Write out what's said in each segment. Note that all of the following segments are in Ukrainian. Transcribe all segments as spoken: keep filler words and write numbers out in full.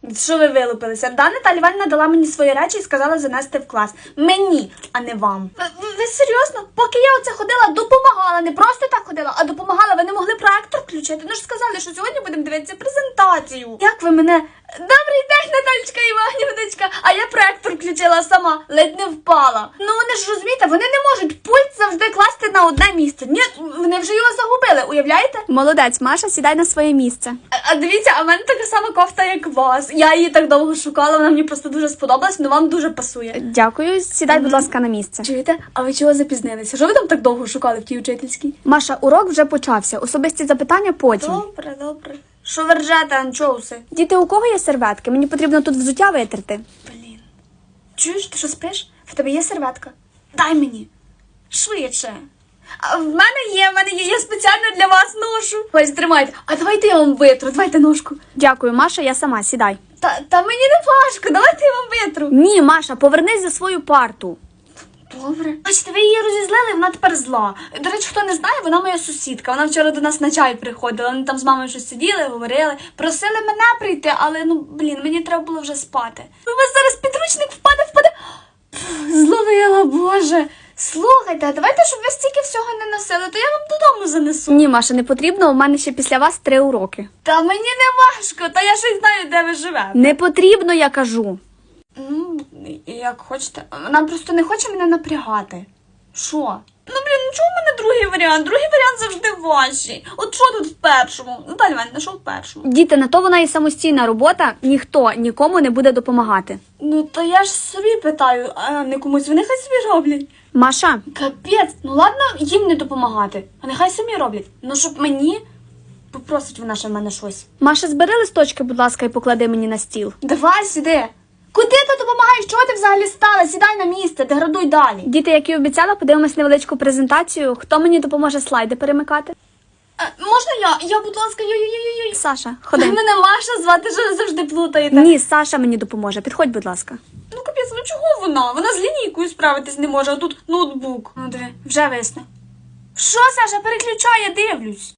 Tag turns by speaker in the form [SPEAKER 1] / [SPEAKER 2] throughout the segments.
[SPEAKER 1] Що ви вилупилися? Да, Наталя Іванівна дала мені свої речі і сказала занести в клас. Мені, а не вам. Ви, ви, ви серйозно? Поки я оце ходила, допомагала. Не просто так ходила, а допомагала. Ви не могли проектор включити? Ну ж сказали, що сьогодні будемо дивитися презентацію. Як ви мене... Добрий день, Наталечка Іванівночка. А я проектор включила сама, ледь не впала. Ну вони ж розумієте, вони не можуть пульт завжди класти на одне місце. Ні, вони вже його загубили, уявляєте?
[SPEAKER 2] Молодець, Маша, сідай на своє місце.
[SPEAKER 1] А, а дивіться, а в мене така сама кофта, як у вас. Я її так довго шукала, вона мені просто дуже сподобалась, але вам дуже пасує.
[SPEAKER 2] Дякую, сідай, будь ласка, на місце.
[SPEAKER 1] Чуєте? А ви чого запізнилися? Що ви там так довго шукали в тій учительській?
[SPEAKER 2] Маша, урок вже почався. Особисті запитання потім.
[SPEAKER 1] Добре, добре. Що ви ржете, анчоуси?
[SPEAKER 2] Діти, у кого є серветки? Мені потрібно тут взуття витерти.
[SPEAKER 1] Блін. Чуєш, ти що спиш? В тебе є серветка? Дай мені. Швидше. А в мене є, в мене є, я спеціально для вас ношу. Ось, тримайте. А давайте я вам витру, давайте ножку.
[SPEAKER 2] Дякую, Маша, я сама, сідай.
[SPEAKER 1] Та, та мені не важко, давайте я вам витру.
[SPEAKER 2] Ні, Маша, повернись за свою парту.
[SPEAKER 1] Добре. Бачите, ви її розізлили, вона тепер зла. До речі, хто не знає, вона моя сусідка. Вона вчора до нас на чай приходила. Вони там з мамою щось сиділи, говорили. Просили мене прийти, але, ну, блін, мені треба було вже спати. У вас зараз підручник впаде, впаде. Пф, зловила, Боже. Слухайте, а давайте, щоб ви стільки всього не носили, то я вам додому занесу.
[SPEAKER 2] Ні, Маша, не потрібно, у мене ще після вас три уроки.
[SPEAKER 1] Та мені не важко, та я щось знаю, де ви живете.
[SPEAKER 2] Не потрібно, я кажу.
[SPEAKER 1] Ну, як хочете. Вона просто не хоче мене напрягати. Що? Ну, блін, ну чого в мене другий варіант? Другий варіант завжди важчий. От що тут в першому? Наталя Іванівна, що в першому?
[SPEAKER 2] Діти, на то вона і самостійна робота, ніхто нікому не буде допомагати.
[SPEAKER 1] Ну, то я ж собі питаю, а не комусь. Вони хай собі роблять.
[SPEAKER 2] Маша,
[SPEAKER 1] Капець, ну ладно їм не допомагати, а нехай самі роблять. Ну, щоб мені попросить вона ще в мене щось.
[SPEAKER 2] Маша, збери листочки, будь ласка, і поклади мені на стіл.
[SPEAKER 1] Давай сюди. Куди ти допомагаєш? Чого ти взагалі стала? Сідай на місце, деградуй далі.
[SPEAKER 2] Діти, як і обіцяла, подивимось невеличку презентацію. Хто мені допоможе слайди перемикати?
[SPEAKER 1] А, можна я? Я, будь ласка, йой-йой-йой.
[SPEAKER 2] Саша, ходи.
[SPEAKER 1] Мене Маша звати, що ви завжди плутаєте.
[SPEAKER 2] Ні, Саша мені допоможе. Підходь, будь ласка.
[SPEAKER 1] Ну, капець, ну чого вона? Вона з лінійкою справитись не може, а тут ноутбук. Ну, диви, вже висне. Що, Саша, переключай, я дивлюсь.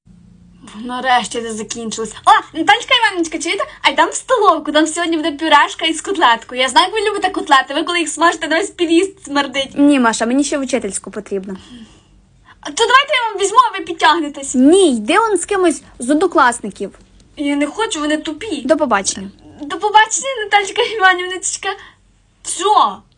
[SPEAKER 1] Нарешті це закінчилось. О, Наталечка Іванівночка, чуєте? А йдемо в столовку, там сьогодні буде пюрешка із котлеткою. Я знаю, як ви любите котлети, ви коли їх смажите, на весь півіст смердить.
[SPEAKER 2] Ні, Маша, мені ще в учительську потрібно.
[SPEAKER 1] А то давайте я вам візьму, а ви підтягнетесь.
[SPEAKER 2] Ні, йди он з кимось з однокласників.
[SPEAKER 1] Я не хочу, вони тупі.
[SPEAKER 2] До побачення.
[SPEAKER 1] До побачення, Наталечка Іванівночка. Що?